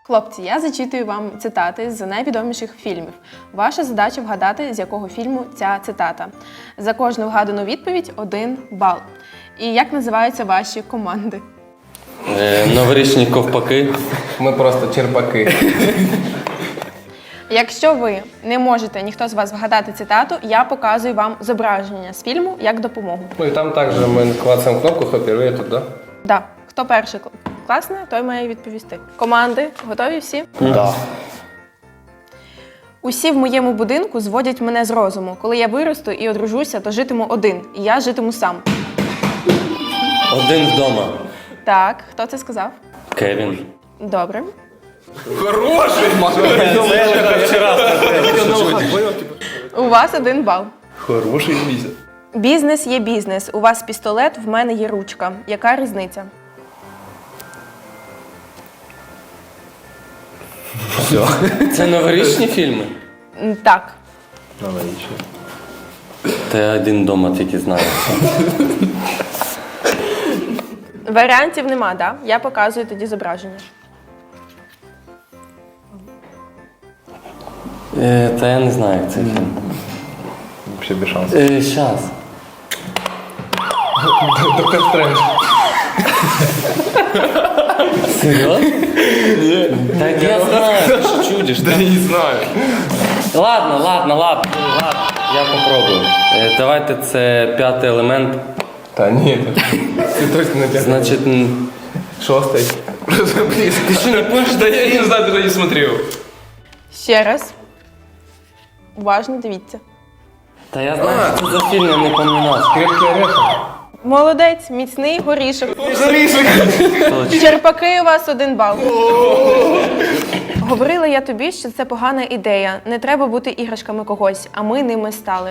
Хлопці, я зачитую вам цитати з найвідоміших фільмів. Ваша задача вгадати, з якого фільму ця цитата. За кожну вгадану відповідь – 1 бал. І як називаються ваші команди? Новорічні ковпаки. Ми просто черпаки. Якщо ви не можете, ніхто з вас вгадати цитату, я показую вам зображення з фільму як допомогу. Ну і там також ми клацаємо кнопку, хто перший тут, да? Да. Хто перший класне, той має відповісти. Команди, готові всі? Да. Усі в моєму будинку зводять мене з розуму. Коли я виросту і одружуся, то житиму один, і я житиму сам. Один вдома. Так, хто це сказав? Кевін. Добре. Хороший! У вас 1 бал. Хороший місяць. Бізнес є бізнес. У вас пістолет, в мене є ручка. Яка різниця? Все. Це новорічні фільми? Так. Новорічний. Та я один вдома тільки знаю. Варіантів нема, да? Я показую тоді зображення. Та я не знаю, як цей фільм. Вообще без шансів. Щас. Доктор Стрендж. Серйозно? Ні. Так я знаю, ти що чудиш. Да не знаю. Ладно, я попробую. Давайте це 5-й елемент. Та ні, ти точно не п'ятий. Значить, Шостий. ти що не помниш? Да я не знаю, даже не смотрел. Ще раз. Уважно дивіться. Та я знаю, що це за фільм, я не пам'ятаю. Крепкий орешек. Молодець, міцний горішок. Точно. Черпаки у вас 1 бал. Говорила я тобі, що це погана ідея. Не треба бути іграшками когось, а ми ними стали.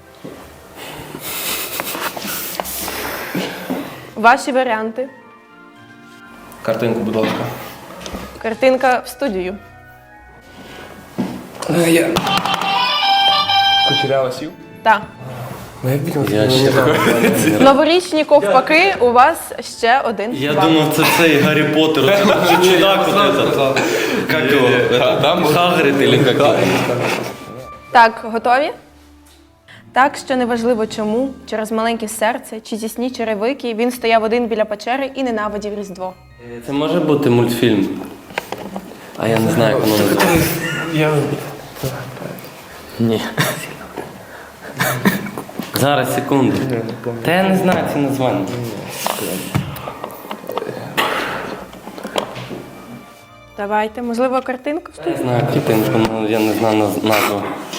Ваші варіанти. Картинку, будь ласка. Картинка в студію. Я. Кучерява сів? Так. Ну я бачив, Я ще Новорічні ковпаки, у вас ще 1 Я бал. думав, це цей Гаррі Поттер. Це чудак вот этот. Как його? Хагрид или как його? Так, готові? Так, що неважливо чому, через маленьке серце чи тісні черевики, він стояв один біля печери і ненавидів Різдво. Це може бути мультфільм? А я не знаю, як воно називається. Я... Ні. Зараз, секунду. Та я не знаю ці названня. Давайте, можливо, картинку в Я студію? знаю картинку, але я не знаю назву.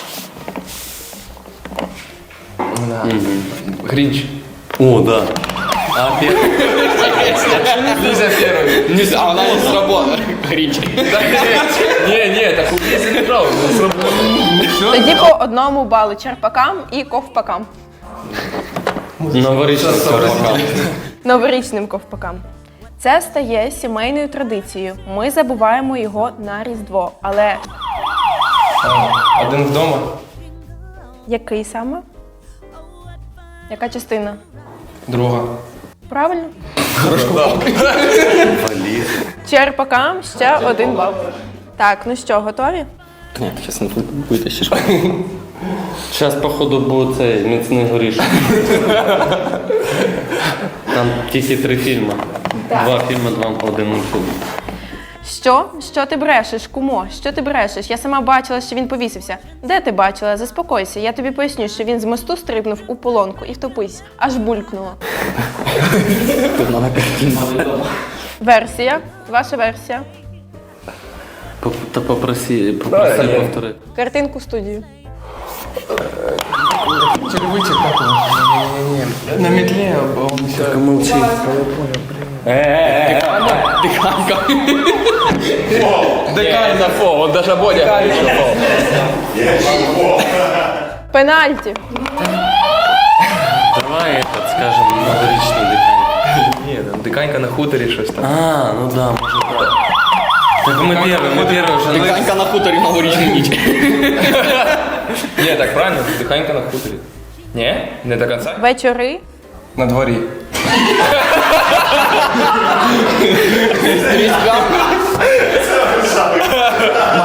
Гринч. О, да. А первый? Лиза первый. Не А она не сработала. Гринч. Не, так Лиза не брал, не сработала. Тоді по 1 балу черпакам і ковпакам. Новорічний ковпак. Новорічним ковпакам. Це стає сімейною традицією. Ми забуваємо його на Різдво. Але Один вдома. який саме? Яка частина? Друга. Правильно? Черпакам ще 1 бал. Так, ну що, готові? Ні, зараз не витащиш. Зараз, походу, буде цей міцний горішок. Там тільки 3 фільми. 2 фільми, 1 мультфільм. Що? Що ти брешеш, кумо? Що ти брешеш? Я сама бачила, що він повісився. Де ти бачила? Заспокойся. Я тобі поясню, що він з мосту стрибнув у полонку і втопився. Аж булькнуло. Версія. Ваша версія. Та попроси повторити. Картинку в студію. Червичек такой. Не-не-не. На метле он все. Тільки мовчи. Дыханка. Дыханка фо, он даже Бодя. Пенальті. Давай, этот, скажем, новорічний дихання. Ні, там диканька на хуторі щось там. А, ну да, може так. Так ми перший вже. Диканька на хуторі новорічну ніч. Ні, так правильно, диканька на хуторі. Ні? Не до кінця? Вечори. На дворі.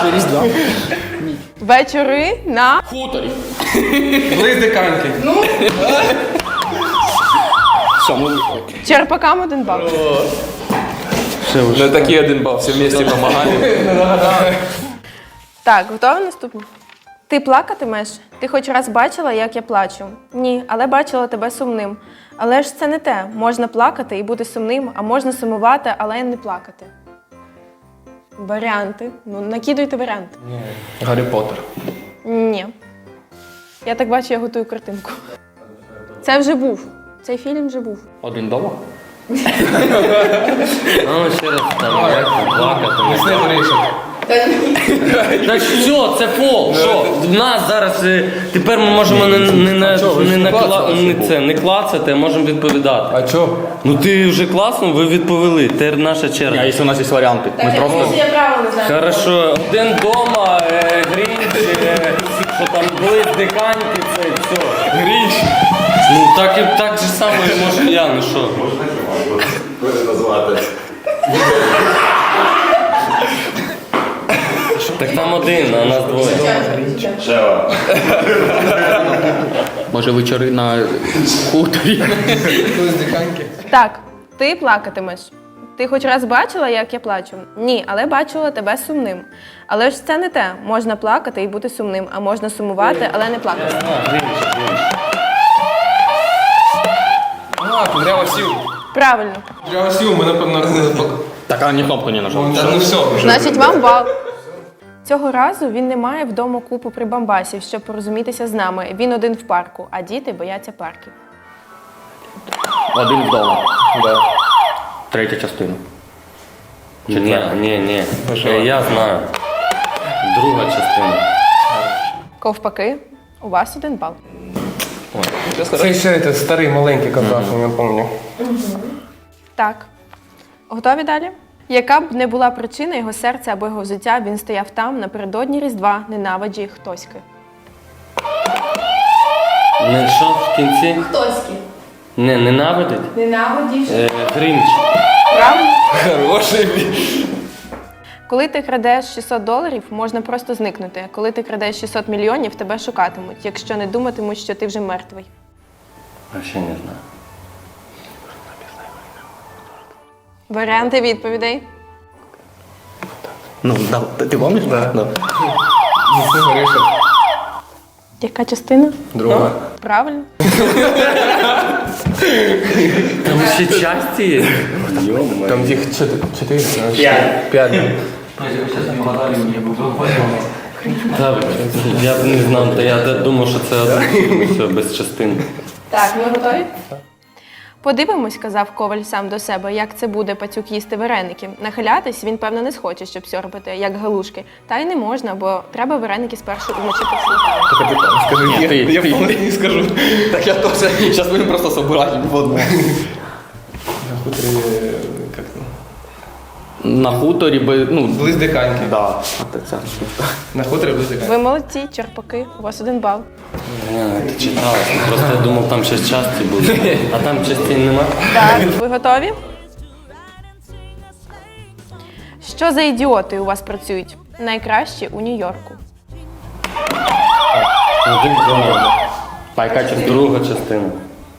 Різдва. Вечори на Хуторі. Близдиканки. Що, ми... Черпакам 1 бал. Ну такий 1 бал, всі вместе допомагаємо. Так, готова наступна? Ти плакатимеш? Ти хоч раз бачила, як я плачу? Ні, але бачила тебе сумним. Але ж це не те. Можна плакати і бути сумним, а можна сумувати, але не плакати. Варіанти. Ну, накидуйте варіанти. Гаррі Поттер. Ні. Я так бачу, я готую картинку. Це вже був. Цей фільм вже був. Один дома? Ну, ще раз там, як плакати. Лісний горішок. Так що, це фол. Що? В нас зараз, тепер ми можемо не клацати, а можемо відповідати. А чо? Ну ти вже класно, ви відповіли, тепер наша А черга. якщо у нас є варіанти? Ми просто... я правильно знаю. Хорошо, 1 дома, Грінч, що там близдиканьки, це все. Грінч. Ну так же само, може я, ну що. Так там 1, а нас 2. Може вечори на хуторі? Близдиканки. Так, ти плакатимеш. Ти хоч раз бачила, як я плачу? Ні, але бачила тебе сумним. Але ж це не те. Можна плакати і бути сумним, а можна сумувати, але не плакати. А, кудрява сів. Правильно. Кудрява сів, ми напевно не Так, а ні кнопку не нажав. Ну все вже. Значить, вам бал. Цього разу він не має вдома купу прибамбасів, щоб порозумітися з нами. Він один в парку, а діти бояться парків. Один вдома. Да. Третя частина. Ні. Я знаю. Друга частина. Ковпаки, у вас 1 бал. Це ще це старий маленький казах, я пам'ятаю. Так. Готові далі? Яка б не була причина його серця або його взуття, він стояв там напередодні Різдва, ненавиджі хтоськи. Не що в кінці? Хтоськи. Не, ненавидить? Ненавидіш. Грінч. Правильно? Хороший. Коли ти крадеш $600, можна просто зникнути. Коли ти крадеш 600 мільйонів, тебе шукатимуть, якщо не думатимуть, що ти вже мертвий. Вообще не знаю. Варіанти відповідей. Ну, да. Ти пам'ятаєш? Да. Лісний горішок. Яка частина? Друга. Правильно. Там ще часті є? Там їх 4. 5. Так, я б не знав, та я думав, що це один. Все, без частин. Так, ми готові? Подивимось, казав Коваль сам до себе, як це буде пацюк їсти вареники. Нахилятись він, певно, не схоче, щоб сьорбати, як галушки. Та й не можна, бо треба вареники спершу умочити в сметані. Капітан, скажи, Ти. я повністю не скажу. Так я теж. Зараз будемо просто собирати в одну. На хуторі, як там? На хуторі, ну... Близдиканки. Да. А це. На хуторі близдиканки. Ви молодці, черпаки, у вас 1 бал. Ні, ти читала. Просто я думав, там ще часті будуть. А там частин нема? Так, ви готові? Що за ідіоти у вас працюють? Найкращі у Нью-Йорку. Один дома. А яка частина? Друга частина.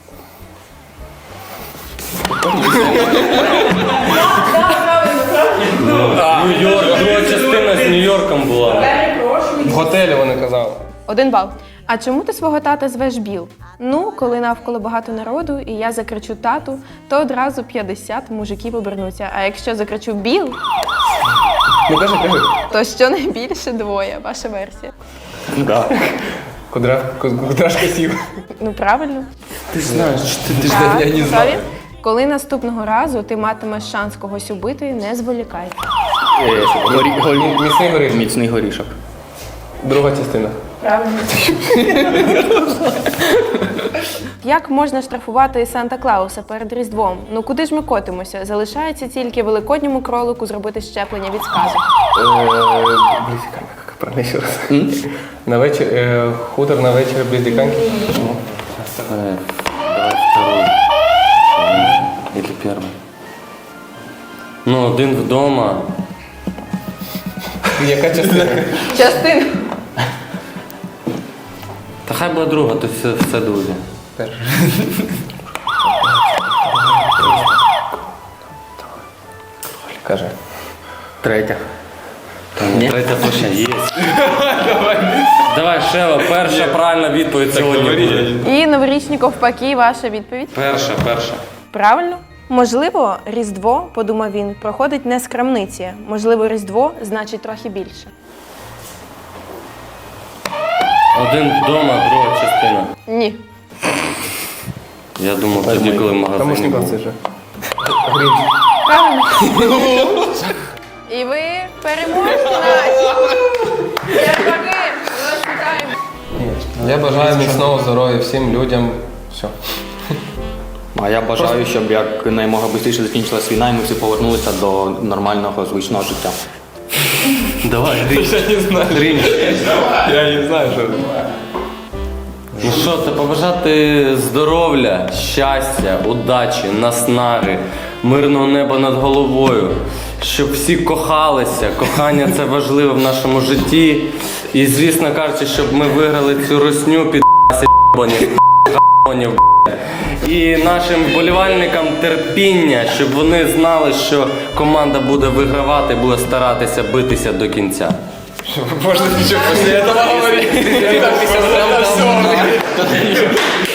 Нью-Йорк, друга частина з Нью-Йорком була. В готелі вони казали. 1 бал. А чому ти свого тата звеш Біл? Ну, коли навколо багато народу і я закричу тату, то одразу 50 мужиків обернуться. А якщо закричу Біл, Ну кажи. то щонайбільше 2. Ваша версія. Да. Кудрашка сів. Ну, правильно. Ти ж знаєш, ти Так, я не готові? Коли наступного разу ти матимеш шанс когось убити, не зволікай. Міцний горішок. Міцний горішок. Друга частина. Правильно. Як можна штрафувати Санта-Клауса перед Різдвом? Ну куди ж ми котимося? Залишається тільки великодньому кролику зробити щеплення від сказу. Близдиканка, як правильно ще раз. На вечір, хутор на вечір близдиканки. Давай второй. Или первый. Ну, один вдома. Яка частина? Частина. Та хай буде друга, то все друге. Перша. Каже. Третя. Ні? Третя точно є. Давай, Шева, перша правильна відповідь сьогодні буде. І новорічні ковпаки, ваша відповідь. Перша. Правильно? Можливо, Різдво, подумав він, проходить не з крамниці. Можливо, Різдво значить трохи більше. Один вдома, друга частина. Ні. Я думав, тоді, коли в Тому магазині що був. це вже. Грінч. Правильно. І ви переможці наші. Дякую. Вас вітаємо. Я бажаю міцного здоров'я всім людям. Все. А я бажаю, щоб якнаймога швидше закінчилась війна і ми всі повернулися до нормального звичного життя. Давай, Грінч. Я не знаю, що. Ну що, це побажати здоров'я, щастя, удачі, наснаги, мирного неба над головою, щоб всі кохалися. Кохання це важливо в нашому житті. І, звісно кажучи, щоб ми виграли цю русню під ***ів. І нашим вболівальникам терпіння, щоб вони знали, що команда буде вигравати, буде старатися битися до кінця. Можно ничего после этого говорить.